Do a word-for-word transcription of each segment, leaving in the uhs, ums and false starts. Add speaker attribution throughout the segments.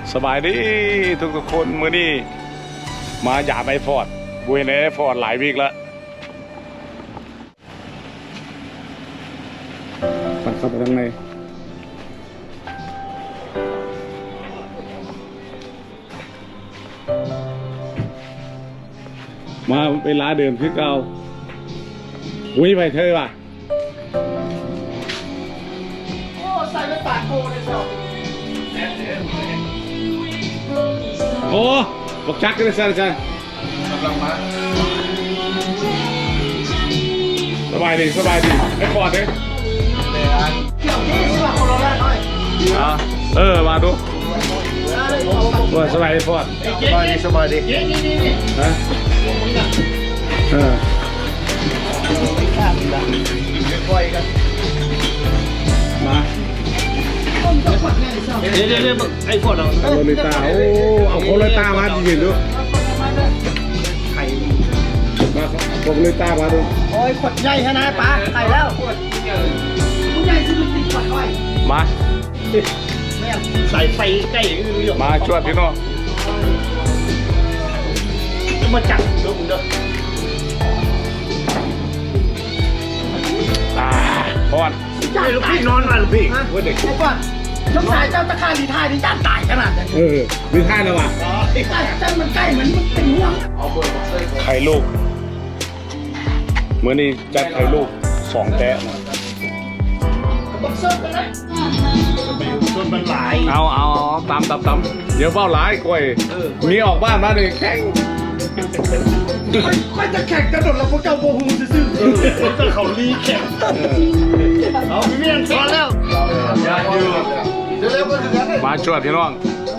Speaker 1: สบายดีทุกทุกคนมื้อนี้มาหยาบไอฟอร์ดกูเห็นไอฟอร์ดหลายวีคแล้วปัดเข้าไปข้างในมาเป็นร้านเดิมคือเก่าอุ้ยไปเธอว่ะ
Speaker 2: โอ้ใส่ไปปากโกเลยเจ้า
Speaker 1: โอ้บอกชักกันเลยอาจารย์กำลังมาสบายดีสบายดีไอ้ปอดเลย
Speaker 2: เกี่ยวนี่สิว่าคนละหน่อย
Speaker 1: อ่าเออมาดูว่าสบายดีปอด
Speaker 3: สบายดีสบายดี
Speaker 1: ฮะเออมา
Speaker 3: เดี๋ยวเดี๋ยวไอ้พวกเรา
Speaker 1: โรลิตาโอ้เอาโรลิตามาจริงๆดู
Speaker 3: ไข่
Speaker 1: มาโรลิตามาดู
Speaker 2: โอ้ยขวดใหญ่ขนาดปลาไข่แล้วผู้ใหญ่ที่มันติดขวดอ้อย
Speaker 1: มา
Speaker 3: ใส่ไฟใกล้
Speaker 1: มาช่วยพี่น้อง
Speaker 3: จะมาจับดูมึงเด้อ
Speaker 1: อ่าพอด
Speaker 3: ลูกพี่นอนมาลูกพี่
Speaker 1: ว่าเด็ก
Speaker 2: ไอ้ก่อนช่วงสายเจ้าตะคาดีทายนี่ย่านตายขนาดนั้น
Speaker 1: เออมีท่าแล้วว่ะ
Speaker 2: ใช่เจ้ามันใกล้เหมือนมันเป็นห่วง
Speaker 1: ไข่ลูกเมื่อนี้จัดไข่ลูกสองแตะ
Speaker 2: บอกเซิร์ฟกันนะ
Speaker 3: จนมันหลาย
Speaker 1: เอาเอาตามตามตามเดี๋ยวเบ้าหลายกล้วยมีออกบ้านมาเลยแข่ง
Speaker 2: ค่อยจะแข่งกระโดดแล้วพวกเจ้าโบฮูซื่อ
Speaker 3: ๆก็เขาลีแข่งเอาพี่เมียนสอนแล้ว
Speaker 1: มาช่วยพี่น้อง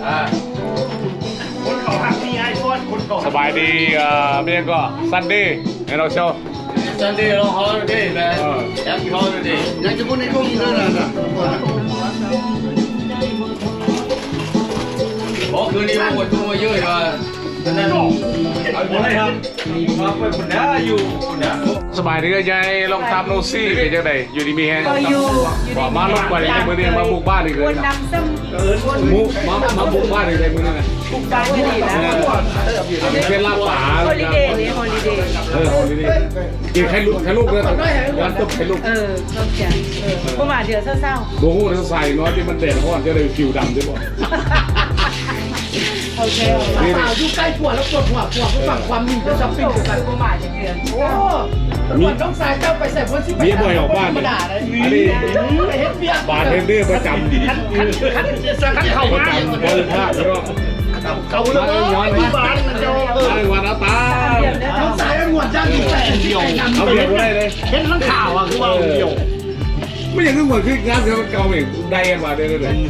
Speaker 3: คนเขาหักมีไอโฟนคนเขา
Speaker 1: สบายดีเอ่อเมียก็ซันดี้ให้เราเช่า
Speaker 4: Sunday long holiday, man. Happy holiday.
Speaker 3: อยากจะพูดในกล้องนี้ด้วยนะ
Speaker 4: โอ้คืนนี้พวกคนตัวเยอะเลยว่านั่นเอาหมดเลยครับมาไปคนน้าอยู่คนน้า
Speaker 1: สบายดีก็ยายลองทำโนซี่เป็นจังไดอยู่ดีมีแฮงบอกมาลงกว่าในมือนี้มาบุกบ้านอีกเลยนะมุกมามาบุกบ้านอีกในมือนี้นะ
Speaker 5: บุกบ้านไม่ดีนะ
Speaker 1: เป็นลาป่า
Speaker 5: ฮอลิเดย์นี่ฮอลิเดย์
Speaker 1: เออฮอลิเดย์กินไข่ลูกไข่ลูกเลยวันตบไข่ลูก
Speaker 5: เออเข้าใจเออประมาณเดือนเศร้า
Speaker 1: ๆโบ้โหเนี่ยใส่น้อยที่มันเด่นเพราะว่าจะได้ผิวดำด้วยบ่
Speaker 5: โอเค
Speaker 2: สาวอยู่ใกล้ผัวแล้วปวดหัวผัวเพื่อฝังความมีจะช้อปปิ้งกัน
Speaker 5: ประมาณเดือน
Speaker 2: โอ้มีต้องสายเจ้าไปใส่คนที่
Speaker 1: เมียบ่อยออกบ้านเลยอันนี้บาทเทนเดอร์ประจำ
Speaker 3: ขั้นขั้นขั้นขั้นเข่ามา
Speaker 1: บริภาคแล้ว
Speaker 3: เขาแล้วที่บ้านมันจะเออ
Speaker 1: วันอาตา
Speaker 2: ต้องสายหวดจ้างอยู่แต่เดียว
Speaker 1: เอาเดียวได้เลย
Speaker 3: เห็นทั้งข่าวอ่ะคือว่าเดียว
Speaker 1: ไม่อย่างนึกเหมือนคืองานเก่าเองได้กันมาเดี๋ยวเลย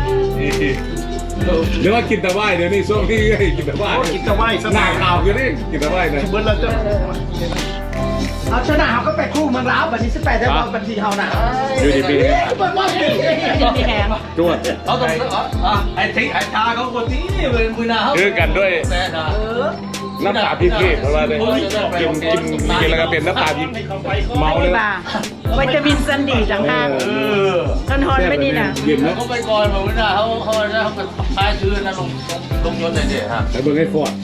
Speaker 1: เดี๋ยวว่ากินแต่ว่ายเดี๋ยวนี้ช่วงที่กินแต่ว่าย
Speaker 3: กินแต่ว่าย
Speaker 1: หน้าข่าวคือนี่กินแต่ว่ายนะ
Speaker 3: เบิ้ลเราจะ
Speaker 2: เอาชนะเขาก็ไปคู่มันร้าวแบบนี้สิบแปดได้บอลบัญชีเขาหนา
Speaker 1: อยู่ดีปีนี้
Speaker 2: บอลบอลดี
Speaker 5: ดีแหง
Speaker 1: จวด
Speaker 4: เอาตรงอ่ะไอ้ทิ้งไอ้ชาเขาคนนี้เลยมือหน้าเขา
Speaker 1: คือกันด้วยน้ำตาพิเศษเพราะว่าเลยกินกินกินแล้วก็เป็นน้ำตาพิเมาเลย
Speaker 5: วิตามินซันดีต่างหากนอนฮอนไม่ดีนะ
Speaker 4: เขาไปก่อนมือหน้าเขาเขาเขาเป็นพายชื่อนะลงลงยศเลยเดี๋ยวฮะ
Speaker 1: แต่เบิ่งให้ฟอด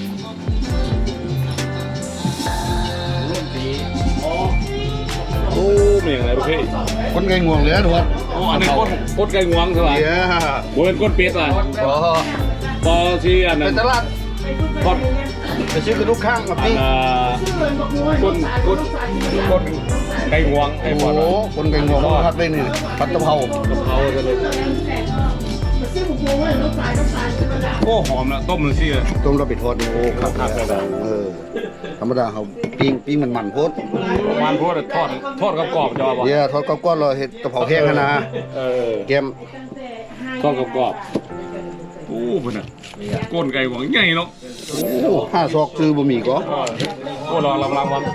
Speaker 1: โอ้ไม่อย่างไรประเภท
Speaker 3: คนไก่งวงเลยทุกคน
Speaker 1: อ๋ออันนี้ก้นก้นไก่งวงใช่ไหมโมเป็นก้นเป็ดอ่ะพอที่อันนั้น
Speaker 3: ไปตลาด
Speaker 1: ก้น
Speaker 3: ไปซื้อกระดูกข้างกับนี่
Speaker 1: ก้นก้นก้นไก่งวงไอ้ฟอด
Speaker 3: โอ้คนไก่งวงพัดได้นี่พัดกะเพราก
Speaker 1: ะเพราจะเลยโอ้หอมนะต้มเลยสิ
Speaker 3: ต้มเราไปทอดโอ้ครับเออธรรมดาเขาปิ้งปิ้งมันมันโพด
Speaker 1: มันโพดทอดทอดกรอบๆจอป่ะ
Speaker 3: เนี่ยทอดกรอบๆเราเห็ดกะเพราแห้งนะ
Speaker 1: เออ
Speaker 3: แกม
Speaker 1: ทอดกรอบๆโอ้พุ่นน่ะก้นไก่หวังใหญ่เนาะ
Speaker 3: โอ้ห้าซอกซื้อบะหมี่ก็
Speaker 1: โอ้รอลำลำวัน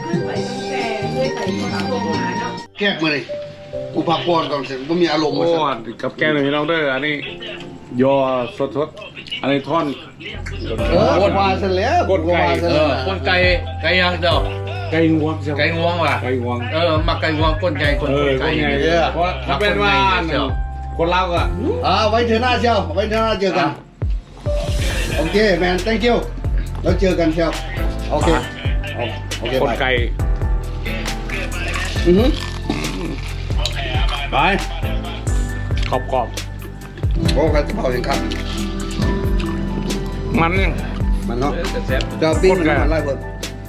Speaker 3: แกกมาเลยกูพักก่อนก่อนเสร็จบะหมี่อารมณ์มา
Speaker 1: โอ้กับแกงเลยพี่น้องเด้ออันนี้ยอสดๆอันนี้ท่อน
Speaker 3: เออก้นวาเสร็จแล้ว
Speaker 1: ก้นไก่
Speaker 4: เออก้นไก่ไก่ยังเจ้า
Speaker 1: ไก่งวง
Speaker 4: ไก่งวงว่ะ
Speaker 1: ไก่งวง
Speaker 4: เออมาไก่งวงก้นไก่ก้นไก่
Speaker 1: เนี่ยเพราะถ้าเป็นว่าคนเล่าก็
Speaker 3: อ่าไว้เธอหน้าเชียวไว้เธอหน้าเจอกันโอเคแมน thank you แล้วเจอกันครับโอเคโอเค
Speaker 1: คน
Speaker 3: ไป
Speaker 1: ไก่
Speaker 3: อือฮึไป
Speaker 1: กรอบกรอบ
Speaker 3: โอ้กันจะเผาอย่างครับ
Speaker 1: มันเนี่ย
Speaker 3: มันเนาะ
Speaker 4: แซ่บ
Speaker 3: จะปิ้ง
Speaker 1: คนไก่
Speaker 3: มันไล่เพิ่ม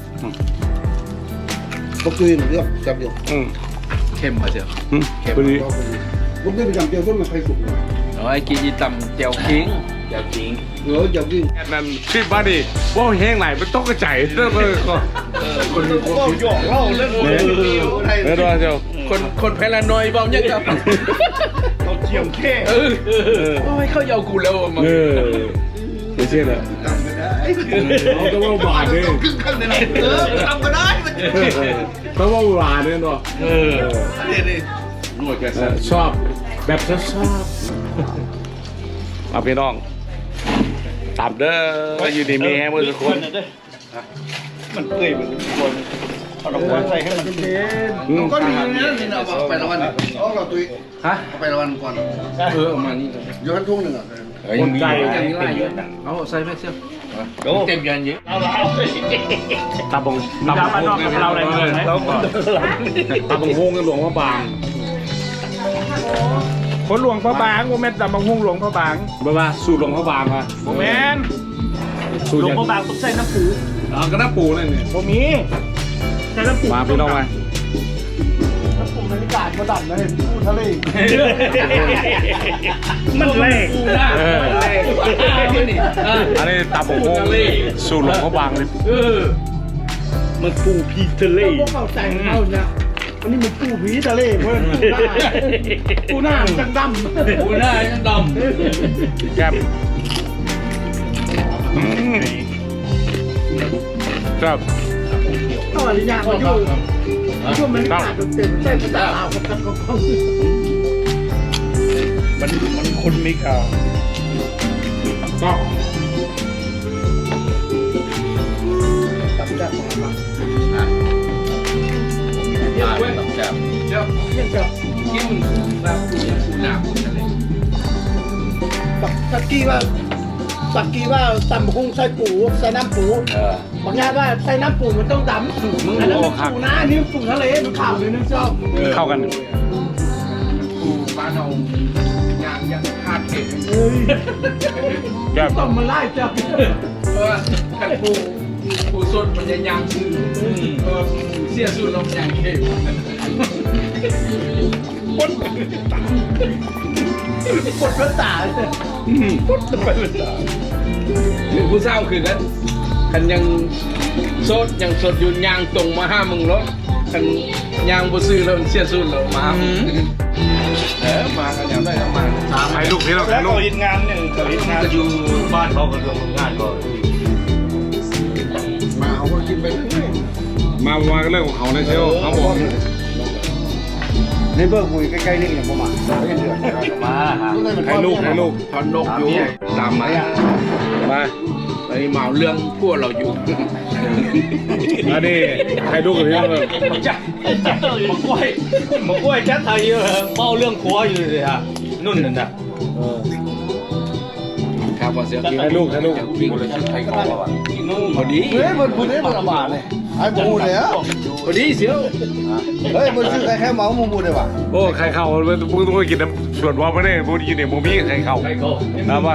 Speaker 3: ก็คืนเรื่องจับเดียว
Speaker 1: อืม
Speaker 4: เข้มมาเชียว
Speaker 1: อืมพอดี
Speaker 3: ลูกได้ไปจำเดียวต้นมันใครสุก
Speaker 4: เอาไอ้กินอีตำเจียวคิงเจียวคิง
Speaker 3: เออจับวิ่ง
Speaker 1: แค่นั้นชิบมาดิว่าแห้งไหนมันต้องกระจายเรื่องเลยก็
Speaker 3: คนก็หยอกเล่าเล่นโอ้ย
Speaker 1: เดี๋ยวเดี๋ยว
Speaker 4: คนคนแพลานอยเบาเนี่ยกับ
Speaker 3: เขาเทียมแค่
Speaker 4: เออโอ้ยเขาเอากูแล้วมา
Speaker 1: เออไม่ใช่เหรอ
Speaker 3: ทำก็ได้
Speaker 1: เขาต้องว่าหวานเนี่ย
Speaker 3: ครึ่งข้างในนั้นเออทำก็ได้มัน
Speaker 1: ต้องว่าหวานเนี่ยเนาะเออ
Speaker 3: นี่นี่
Speaker 1: ชอบแบบชอบชอบเอาพี่น้องตามเด้ออยู่ดีมีแฮมเมื่อสักคน
Speaker 2: มันเปื่อยเหมือนคนเอาดอกบัวใส่ให้มันเย็น
Speaker 1: อืม
Speaker 3: ก็ดีนะนี่เราเอาไปละวันเอาเราตุย
Speaker 4: ฮะ
Speaker 3: เอาไปละวันก่อน
Speaker 4: เออมานี่
Speaker 3: ย้อนทุ่งหนึ่งอ่ะ
Speaker 1: คนไก่
Speaker 4: อย่างนี้ไล่เยอะเอาใส่แม่เชียวเต็มยันเยอะ
Speaker 1: ตาบงตาบงฮงเราอะไรเลยตาบงฮงกันหลวงพระบาง
Speaker 2: คนหลวงพระบางโมเมนต์ตำบังหุ่งหลวงพระบาง
Speaker 1: บ้าบ้าสูตรหลวงพระบางมา
Speaker 2: โมเมนต์
Speaker 1: สูตร
Speaker 2: หลวง
Speaker 1: ยัง
Speaker 2: พระบางต้องใส่น้ำปู
Speaker 1: อ่าก็น้าปูนั่นเนี่ย
Speaker 2: โมมีใส่น้ำปู
Speaker 1: มาพี่น้องมา
Speaker 2: น้ำปูบรรยากาศมาดับเลยปูทะเลมันแรง
Speaker 1: เอออันนี้ตาบงฮงสูตรหลวงพระบางเลย
Speaker 4: เออ
Speaker 2: มันปูพีทะเลพวกเขาแต่งเขาเนี่ยอันนี้มันปูผีทะเลเพื่อนปูหน้าปูหน้าจังดำ
Speaker 4: กูหน้ายังด
Speaker 1: แก้มอืมครับ
Speaker 2: ก็อนุญาตมาอยู่ช่วงมันขาดเต็มเส้นตาเอากับกับกับมันมันคนไม่ข่าว
Speaker 1: ก็
Speaker 2: ตับจับของมัน
Speaker 4: ำเดี๋ยวเว้ยแซ่บเดี๋ยว
Speaker 2: ยังกับ
Speaker 4: กินแบบกูยังกูหน้ากูทะเล
Speaker 2: สักกี้ว่าสักกี้ว่าตำพุงใส่ปูใส่น้ำปู
Speaker 4: เออบ
Speaker 2: างงานว่าใส่น้ำปูมันต้องดำอันนั้นมันปูนะอันนี้ปูทะเลมันขาวเลยนะเจ้า
Speaker 1: เข้ากัน
Speaker 4: กูบ้านเรายางยังคาดเข็ม
Speaker 2: เฮ้ย
Speaker 1: แก้ม
Speaker 2: ต้องมาไล่เจ้า
Speaker 4: เออขันปูปูสดมันจะยางซื้อเออเสียสูตรลมยางเข็ม
Speaker 2: ปวดพระตาเลยปวดไปพระตา
Speaker 4: หรือผู้เศร้าคือกันคันยังสดยังสดอยู่ยางตรงมาห้ามึงแล้วคันยางบ่ซื้อแล้วเสียสูตรแล้วมาเออมากันยังได้ก็มา
Speaker 1: ถ่ายรูปพี่น้อง
Speaker 2: แล้
Speaker 1: ถ่า
Speaker 2: วย
Speaker 1: รู
Speaker 2: ก็
Speaker 1: ป
Speaker 2: ยินงานหนึ่งก็ยินงาน
Speaker 4: ก็อยู่
Speaker 2: บ้านเขาก็เรื่องงานก็
Speaker 3: มาเอามากินไปเรื่อย
Speaker 1: มาว่ากันเรื่องของเขานะเชียวเขาบอก
Speaker 3: นี่เบิร์กุยใกล้ๆนี่อย่างประมาณไม่เดือด
Speaker 2: มาฮะ
Speaker 1: ถ่ายรูปถ่ายรูป
Speaker 4: ทอนนกอยู่ตามมา
Speaker 1: มา
Speaker 4: ไปเหมาเรื่องพวกเราอยู่
Speaker 1: อันนี้ถ่ายรูปกับพี่น้องเลย
Speaker 2: จัดจัดเลยมะกล้วยมะกล้วยจัดไทยเยอะเมาเรื่องครัวอยู่เลยฮะนุ่นนั่นน่ะ
Speaker 4: ครับว่าเสียง
Speaker 1: ถ่ายรูปถ่ายรูป
Speaker 4: วิ่งเลยชื่อไทยเขาว่าพอดี
Speaker 3: เฮ้ยมันพูดได้มันละบาทเลยไอ้บูเลยอ่ะ
Speaker 4: พอดีเสียว
Speaker 3: เฮ้ยมันชื่อใครแค่เมาส์มูมูเลยว่ะ
Speaker 1: โอ้ใครเข้ามึงต้องไปกินน้ำส่วนว่าไม่ได้มึงกินเนี่ยมึงมีใครเข้านะว่า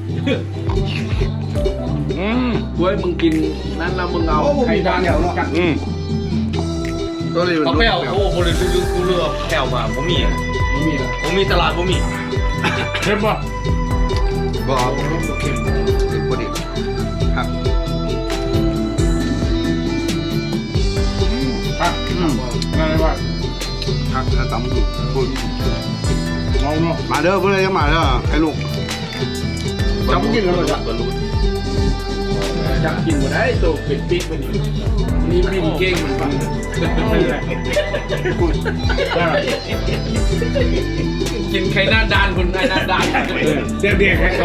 Speaker 1: อืม
Speaker 4: กล้วยมึงกินนั้นแล้วมึงเอา
Speaker 3: โอ้มู
Speaker 4: ไข่
Speaker 3: มี
Speaker 4: ดา
Speaker 3: ดาน น
Speaker 4: เนี่
Speaker 3: เดียวเนาะ
Speaker 1: อืม
Speaker 3: ตัวนี้มัน
Speaker 6: เขาไปเอาโอ้โหเลยดูกูเลือกแถวมาผมมี
Speaker 4: ไม่มีแล้ว
Speaker 6: ผมมีตลาดผมมี
Speaker 1: เห็นป่ะ
Speaker 3: บอกเค็มเค็มพอดีครับ
Speaker 1: ครับอืมนั่นเลยว่า
Speaker 3: พักถ้าตำถูกคุณ
Speaker 1: เมาเนาะ
Speaker 3: มาเด้อเพื่อนยังมาเด้อไอ้ลูกจำกินกันเลยจ้ะ
Speaker 4: จับกินหมดได้ตัวเป็ดปิ๊กมันอยู่นี่บินเก่งมันฟังกินไข่หน้าดานคนไข่หน้าดาน
Speaker 1: เด็กเด็กๆให้เข้า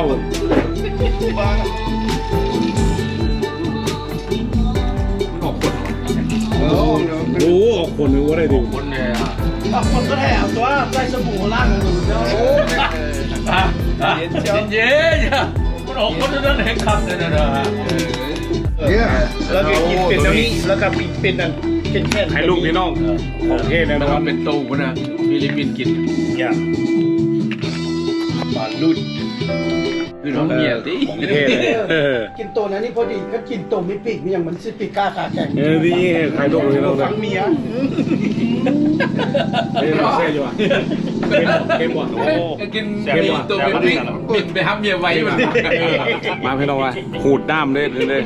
Speaker 3: โอ้
Speaker 1: โอ้คนนึงว่าได้ดู
Speaker 6: คนเนี่ย
Speaker 2: บางคนก็แถวตัวใส่สบู่ล้างมือเจ้า
Speaker 6: เย็นเย็นออกคนนั้นแห่งคำเนี่ยนะ
Speaker 3: เนี่ย
Speaker 2: แล้วก็กินเป็นเท่านี้แล้วก็เป็นอันแค่แค่
Speaker 1: ให้ลูกพี่น้องโอเคนะ
Speaker 4: มัน
Speaker 1: ครับ
Speaker 4: เป็นโตวนะฟิลิปปินส์กิน
Speaker 2: อย่าง
Speaker 4: ปลาลุดคือน้องเมียที่
Speaker 1: โอเคเลยเออ
Speaker 2: กินตัวนั้นนี่พอดีก็กินตัวไม่ปีกมีอย่างมันสิปีกกล้าขาแข็ง
Speaker 1: เออนี่ใครลูกพี่น้อง
Speaker 2: ฟังเมีย
Speaker 1: เฮ้ยเซ่อยู่อ่ะเค็มว่ะโอ้
Speaker 4: กินมีตัวเป็นปิ๊กปิดไปฮับเมียไว้มัน
Speaker 1: มาพี่น้องว่าขูดด้ามเลยเลย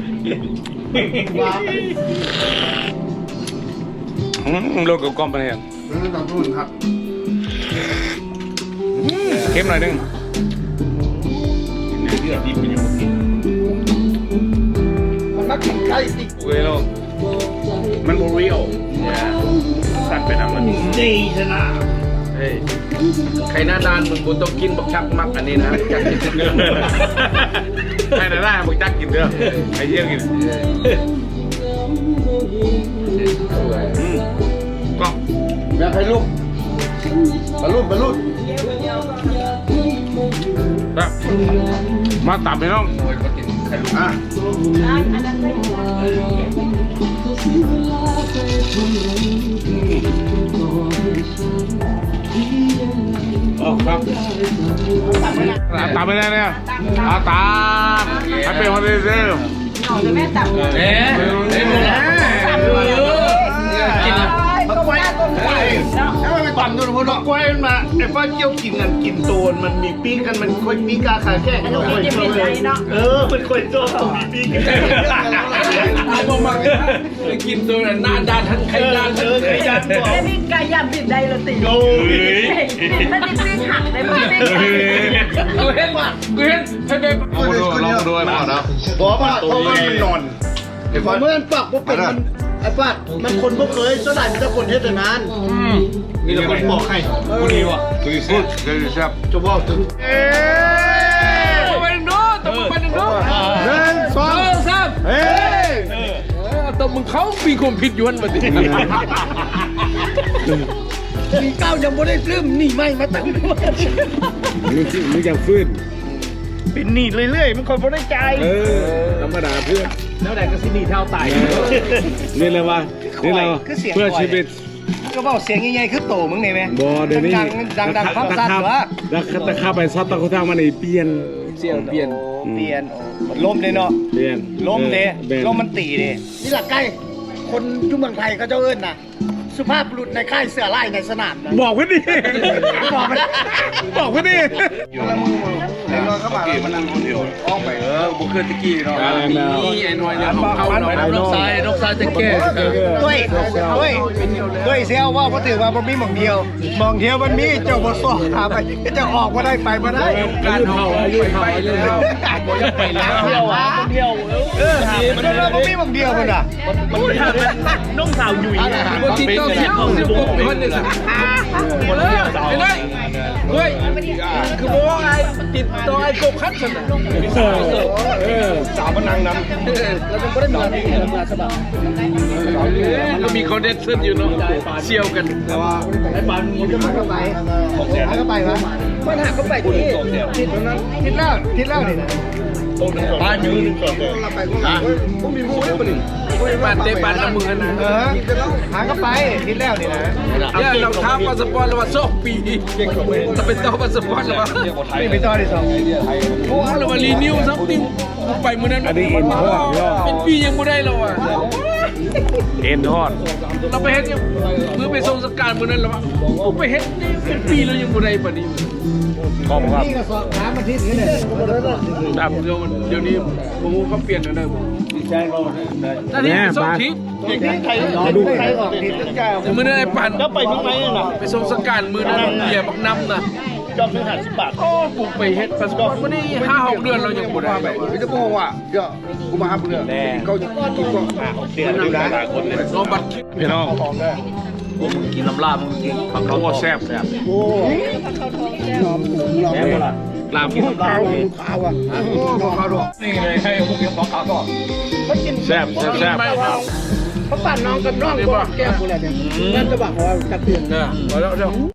Speaker 1: รถกับกล้องไปเนี่ย
Speaker 3: นั่นต้องรุ่นครับ
Speaker 1: เค็มหน่อยนึง
Speaker 6: เลือดดิบมันยังกิน
Speaker 2: มันนักกินไก่ติ
Speaker 1: เว้ยลูก
Speaker 6: มันโมเรียลตัดไปน้ำมัน
Speaker 2: ดีชนะ
Speaker 4: เฮ้ยใครหน้าด้านมึงบุต้องกินบักชักมักอันนี้นะจักกินเนื้อ
Speaker 1: ให้ได้ได้มึงจักกินเด้อไอ้เยี่ยกินกล้อง
Speaker 3: อยากให้ลูกบรรลุบรรลุ
Speaker 1: แบบมาตับพี่น้อง
Speaker 3: อ่ะ
Speaker 1: อ๋อครับตามไปได้เนี่ยอาตามให้เป็นคนดีเซล
Speaker 5: หน่อจะแม่ตับเลย
Speaker 4: เอ๊ะเอ๊ะกิน
Speaker 2: มันไว้ต้นไก่แล้วมันไปปั่นจนหัวดอกกล้วยมันมาไอ้ฟ้าเกี่ยวกินกันกินโตนมันมีปีกันมันค่อยปีกาขาแข็งเออมันค่อยโตมีปีกัน
Speaker 4: เอามามากินตัวหน้าด้านทั้งใครด้านทั้ง
Speaker 2: เออไก่ยันบอก
Speaker 5: แล้วนี่ไก่ย่างบิดได้ละติ
Speaker 2: โอ้ย
Speaker 5: ถ้าติดปิ้งหักได้ไหมปิ้งหัก
Speaker 4: กูเห็นกูเห็นให้เป็น
Speaker 1: ลองดูลองดูไอ้หมอนะ
Speaker 2: บอกว่าเพราะว่ามันนอนไอ้ฟ้าเมื่อมันปักว่าเป็นไอ้ฟ้ามันคนบ่เคยส่วนใหญ่มันจะคนเฮ็ดแต่นานมีแต่คนบอกให้
Speaker 1: กูดีว่ะกูดีสุดกูดีแซ่บ
Speaker 2: จะบอกถึง
Speaker 4: ไปหนึ่งโน้ตต้องไปหนึ่งโน้ต
Speaker 2: หนึ่งสอง
Speaker 4: สาม
Speaker 2: เฮ้ย
Speaker 4: ตัวมึงเขามีความผิดยวนมาดิ
Speaker 2: มีเก้ายังบ่ได้ซื้อหนีไม่มาตั้งด้วย
Speaker 1: มึงมึงจะฟื้น
Speaker 2: เป็นหนีเรื่อยๆมันคนบ่ได้ใจ
Speaker 1: เออธรรมดาเพื่อน
Speaker 2: แล้วไหนก็สิหนีเท่าตาย
Speaker 1: นี่เลยว่านี่เราเพื่อชีวิต
Speaker 2: ก็บอกเสียงใหญ่ๆคือโตมึงนี่ไหม
Speaker 1: บอเดี๋ยวนี้
Speaker 2: ดังๆดังๆความสั่นวะ
Speaker 1: ดักตะข้าไปซัดตะคุทางมาในเปลี่ยน
Speaker 4: เสียงเปลี่ยน
Speaker 2: เปลี่ยนมันล้มเลยเนาะ
Speaker 1: เปลี่ยน
Speaker 2: ล้มเลย
Speaker 1: เปลี่ยน
Speaker 2: ล้มมันตีเลยนี่หลักใกล้คนยุเมืองไทยเขาเจ้าเอิ้นน่ะสุภาพบุรุษในค่ายเสือไล่ในสนามนะ
Speaker 1: บอกไว้ดิ
Speaker 2: บอกไป
Speaker 1: บอกไว้ดิ
Speaker 3: ไอ้นอนเข้ามามันนั่งคนเดียวออกไปเออบุกเคลื่อนตะกี้เนาะ
Speaker 4: นี่ไอ้หน่วยเนี่ยของเขาเนาะนกทรายนกทรายจะแก้
Speaker 2: ด้วยด้วยด้วยเสียวว่าพอถือว่ามันมีหม่องเดียวหม่องเดียวมันมีเจ้าบ่สอบหาไปเจ้าออกมาได้ไปมาได้
Speaker 4: การเขาไปเรื่อยๆบ่ยังไปแล้ว
Speaker 2: เที่ยวอ่ะเที่ยวเออมันเราบ่มีหม่องเดียวมันอ่ะมันน้องสาวอยู่
Speaker 4: บางทีต้องเสียบเสียบกบคนหนึ่งหมดเลยไม่ได้เฮ้ยคือบอกว่าไอ้ติดต่อไอ้กบคัดฉันน่ะ
Speaker 1: เออ
Speaker 2: สาวมันนั่งนำแล้วมันก็ได้นอนที่มาสบาย
Speaker 4: ก็มีคอนเนคชั่นอยู่เนาะเชี่ยวกัน
Speaker 2: แต่ว่าไอ้ปานมันก็หาเข้าไปหาเข้าไปวะมันหาเข้าไปที่ทิศนั้นทิศแล้วทิศแล้วนี่นะ
Speaker 6: ปลาอยู่หนึ่งสอง
Speaker 2: เราไปก็ผมมีมูได้ปะนี่
Speaker 4: ปานเตะปานละมือนะ
Speaker 2: เออหาเข้าไปทิศแล้วนี่นะ
Speaker 4: เนี่ยเราท้าพาสปอร์ตแล้วว่าสองปีจะเป็นต่อพาสปอร์ตแล้วว่า
Speaker 2: นี่ไปต่อที่สอง
Speaker 4: โอ้เรามารีนิวซัมติงไปมือนั้น
Speaker 1: อันนี้เอ็นทอดย่อ
Speaker 4: เป็นปียังไม่ได้เราอ่ะ
Speaker 1: เอ็นทอด
Speaker 4: เราไปเฮ็ดยังเพื่อไปส่งสการมือนั้นแล้วว่าผมไปเฮ็ดเป็นปีแล้วยังไม่ได้ปะนี่
Speaker 1: ขอบครับ
Speaker 2: นี่ก็สอบหามาทิศนี้เลย
Speaker 4: ดับเดี๋ยวมันเดี๋ยวนี้ผมเขาเปลี่ยนแล้วนะผมตอนนี้ไปส่งทิพย์
Speaker 2: ใครดูใครออกทิศเจ้า
Speaker 4: มือนั้นไอ้ปั่น
Speaker 2: แล้วไปทางไหนน่ะ
Speaker 4: ไปส่งสการมือนั้นเบียร์บักน้ำนะ
Speaker 2: จอมหนึ่งห้าสิบบาท
Speaker 4: โอ้ปลูกไปเฮ็ดพาสปอร์ตวันนี้ห้าหกเดือนเรายังไม่ได้
Speaker 3: ไม่จะบอกว่าเดี๋ยวกูมาหาเพื่อนเขากินก็
Speaker 2: เสียดูนะ
Speaker 4: โนบัตร
Speaker 1: พี่น้อง
Speaker 6: กินน้ำลาบมึงกินผัก
Speaker 1: เขาก็แซ่บแซ่บ
Speaker 2: โอ้ลอมลอม
Speaker 1: ลาบ
Speaker 2: ข้าวข้าวอ่ะโอ้บอกข้าวดอก
Speaker 6: นี่เลยให้พวกกินของขาวก่อน
Speaker 2: เขากิน
Speaker 1: แซ่บแซ่บแซ่บ
Speaker 2: เขาปั่นน้องกับน้องก็แก้วกูแหละเนี่ยนั่นจะบอกว่าจะเตือน
Speaker 4: เนี่ยมาแล้วเดี๋ยว